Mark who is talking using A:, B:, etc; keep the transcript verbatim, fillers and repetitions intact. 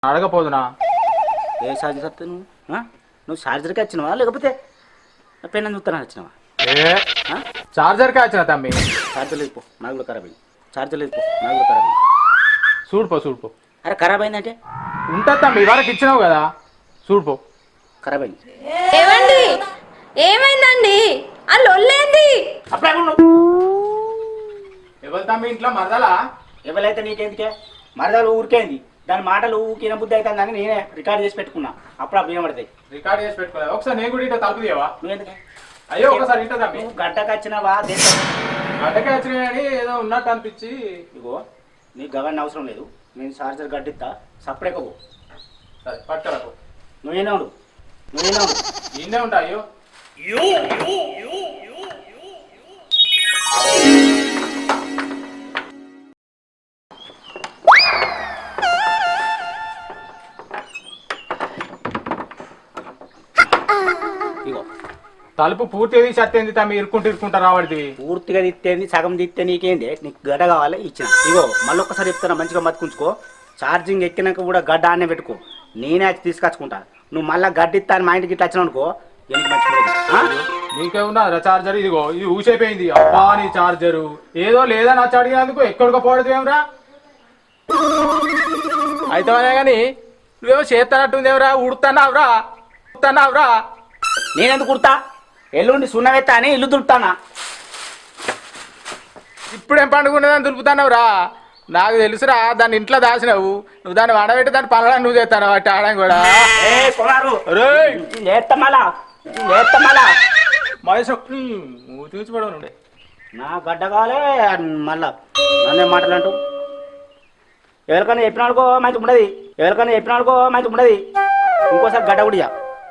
A: అడగపోదునా?
B: ఏ charger వస్తా నువ్వు ఆ? నువ్వు ఛార్జర్కి వచ్చినావా లేకపోతే పెన్ చూస్తానని వచ్చినావా?
A: ఏ చార్జర్కే వచ్చిన తమ్మి.
B: ఛార్జర్ లేదు పో, నాగులో ఖరాబ్ అయింది. ఛార్జర్ లేదు పో, నాగులో ఖరాబ్ అయింది.
A: చూడుపో చూడుపో.
B: అరే ఖరాబ్ అయిందంటే
A: ఉంటుంది తమ్మి, ఇవాళకి ఇచ్చినావు కదా, చూడుపో.
B: ఖరాబ్ అయింది.
C: ఏమండి ఏమైందండి? ఆ లొల్లేంది?
B: అప్పుడే
A: ఎవరు తమ్మి ఇంట్లో మరదలా?
B: ఎవరైతే నీకెందుకే మరదలు ఊరికేంది, దాని మాటలు ఊకిన బుద్ధి అవుతుందని నేనే రికార్డ్ చేసి పెట్టుకున్నా. అప్పుడు అప్పుడు వినబడతాయి.
A: రికార్డ్ చేసి పెట్టుకోలేదు. ఒకసారి నేను కూడా ఇంట్లో తలుపు తీయవా?
B: నువ్వెందుకే
A: అయ్యో ఒకసారి ఇంట తమ్మి.
B: నువ్వు గడ్డకు వచ్చినావా దేశం
A: గడ్డకే వచ్చినాయి అని ఏదో ఉన్నట్టు అనిపించి.
B: ఇగో నీకు గవర్న అవసరం లేదు, నేను ఛార్జర్ గడ్డిస్తా. సపరేట్ పో.
A: సరే పట్టుకరకు.
B: నువ్వేనా ఉండు, నువ్వేనా ఉండు.
A: నిన్నే ఉంటా. అయ్యో
B: ఇగో
A: తలుపు పూర్తిగా తీసి అత్తేంది తమ్మి, ఇరుక్కుంటూ ఇరుక్కుంటా రావడిది.
B: పూర్తిగా తిత్తేంది, సగం తిత్తే నీకేంది? నీకు గడ్డ కావాలి ఇచ్చిన. ఇగో మళ్ళీ ఒక్కసారి చెప్తాను, మంచిగా మతుకుంచుకో. ఛార్జింగ్ ఎక్కినాక కూడా గడ్డ ఆనే పెట్టుకో, నేనే వచ్చి తీసుకొచ్చుకుంటా. నువ్వు మళ్ళీ గడ్డిస్తా అని మా ఇంటికి ఇట్లా వచ్చినావు అనుకో, ఎందుకు మంచిగా.
A: నీకేమున్నా చార్జర్? ఇదిగో ఇది ఊసైపోయింది. అబ్బా నీ చార్జరు ఏదో లేదా నచ్చ అడిగినందుకు ఎక్కడికో పోవడదు ఏమరా? అయితే కానీ నువ్వేమో చేస్తానట్టుందేమరా? ఉడుతున్నావురా ఉడుతున్నావురా?
B: నేనెందుకు కుడతా? ఎల్లుండి సున్నవెత్తా అని ఇల్లు దులుపుతానా?
A: ఇప్పుడేం పండుగ దులుపుతున్నావురా? నాకు తెలుసురా, దాన్ని ఇంట్లో దాచినావు. నువ్వు దాన్ని వడబెట్టి దాన్ని పనులను నువ్వు చేస్తాను వాటి ఆడడం కూడా. తీర్చిపడవు
B: నా గడ్డ కావాలే మళ్ళా నన్నే మాటలు అంటూ. ఎవరికైనా చెప్పినాడుకో మంచి ఉండదు, ఎవరికైనా చెప్పినాడుకో మంచి ఉండదు. ఇంకోసారి గడ్డ కూడా